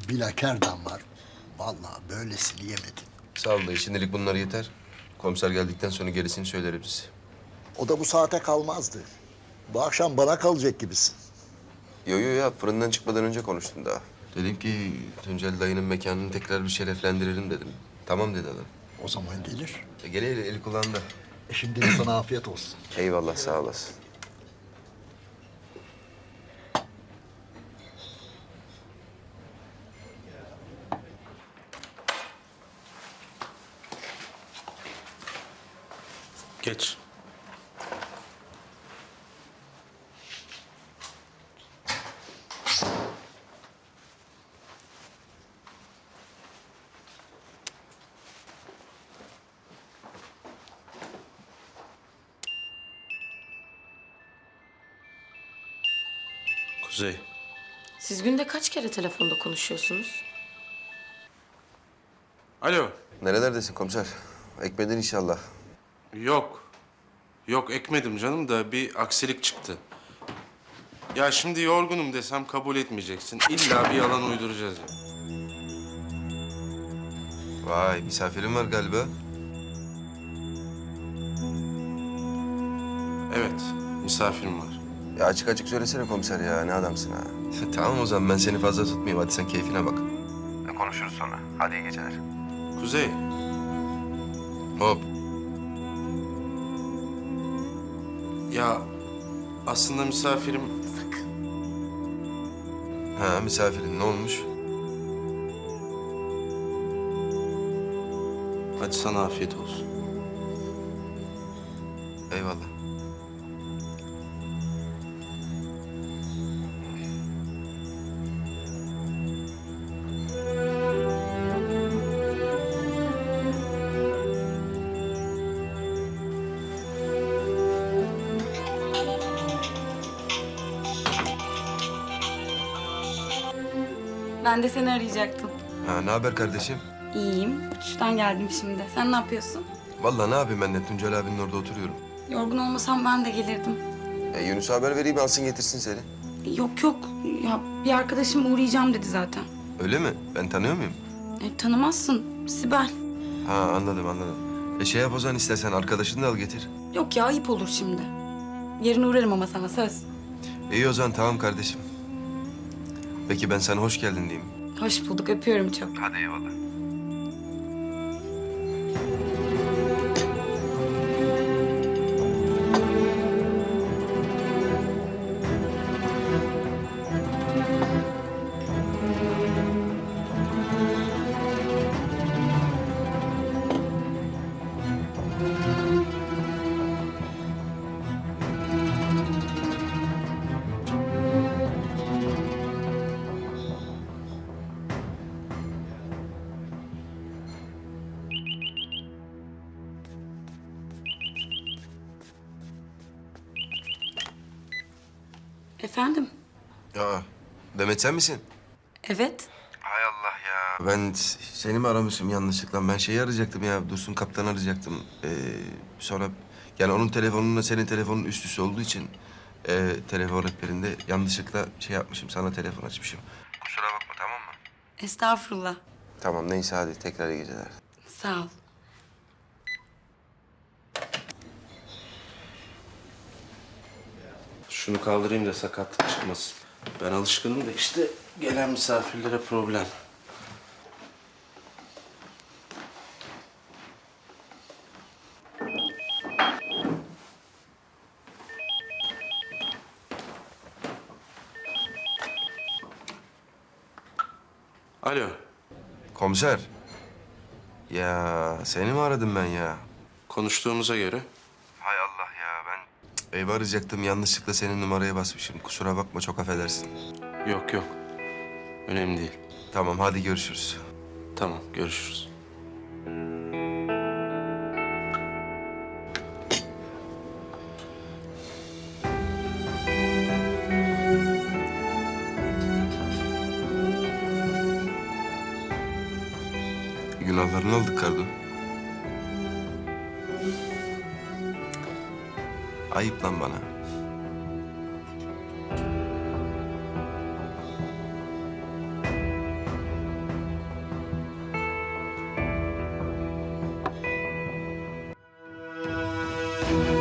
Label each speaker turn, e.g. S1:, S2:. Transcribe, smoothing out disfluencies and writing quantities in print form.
S1: bilakerdan var. Vallahi böylesini yemedim.
S2: Sağ ol dayı. Şimdilik bunlar yeter. Komiser geldikten sonra gerisini söyleriz.
S1: O da bu saate kalmazdı. Bu akşam bana kalacak gibisin.
S2: Yo ya fırından çıkmadan önce konuştum daha. Dedim ki Tuncel dayının mekanını tekrar bir şereflendirelim dedim. Tamam dedi adam.
S1: O zaman gelir.
S2: Gel eli kulağında.
S1: Şimdi sana afiyet olsun.
S2: Eyvallah sağ olasın.
S3: Geç. Kuzey.
S4: Siz günde kaç kere telefonda konuşuyorsunuz?
S3: Alo.
S2: Nerelerdesin komiser? Ekmedin inşallah.
S3: Yok. Yok ekmedim canım da bir aksilik çıktı. Ya şimdi yorgunum desem kabul etmeyeceksin. İlla bir yalan uyduracağız ya.
S2: Vay misafirin var galiba.
S3: Evet, misafirim var.
S2: Ya açık açık söylesene komiser ya. Ne adamsın ha. Tamam o zaman ben seni fazla tutmayayım. Hadi sen keyfine bak. Konuşuruz sonra. Hadi iyi geceler.
S3: Kuzey,
S2: Hop.
S3: ya aslında misafirim...
S2: Ha misafirin ne olmuş?
S3: Hadi sana afiyet olsun.
S2: Eyvallah.
S5: Ben de seni arayacaktım.
S2: Ha ne haber kardeşim?
S5: İyiyim. Uçuştan geldim şimdi. Sen ne yapıyorsun?
S2: Vallahi ne yapayım ben de Tuncel abinin orada oturuyorum.
S5: Yorgun olmasam ben de gelirdim.
S2: Yunus'a haber vereyim alsın getirsin seni.
S5: Yok yok. Ya bir arkadaşım uğrayacağım dedi zaten.
S2: Öyle mi? Ben tanıyor muyum?
S5: Tanımazsın. Sibel.
S2: Ha anladım. Şey yap o zaman istersen arkadaşını da al getir.
S5: Yok ya ayıp olur şimdi. Yarın uğrarım ama sana söz.
S2: İyi o zaman tamam kardeşim. Peki ben sana hoş geldin diyeyim.
S5: Hoş bulduk. Öpüyorum çok.
S2: Hadi eyvallah.
S5: Efendim?
S2: Aa, Demet sen misin?
S5: Evet.
S2: Hay Allah ya. Ben seni mi aramışım yanlışlıkla? Ben şeyi arayacaktım ya, Dursun Kaptan'ı arayacaktım. Sonra yani onun telefonunla senin telefonun üst üste olduğu için... telefon rehberinde yanlışlıkla şey yapmışım, sana telefon açmışım. Kusura bakma tamam mı?
S5: Estağfurullah.
S2: Tamam neyse hadi tekrar iyi geceler.
S5: Sağ ol.
S3: Şunu kaldırayım da sakatlık çıkmasın. Ben alışkınım da işte gelen misafirlere problem. Alo.
S2: Komiser. Ya seni mi aradım ben ya?
S3: Konuştuğumuza göre
S2: Hay Allah ya ben evi arayacaktım, yanlışlıkla senin numaraya basmışım. Kusura bakma, çok affedersin.
S3: yok. Önemli değil.
S2: Tamam hadi görüşürüz.
S3: Tamam, görüşürüz.
S2: Günahlarını aldık Kardo. Ayıp lan bana.
S5: Tamam.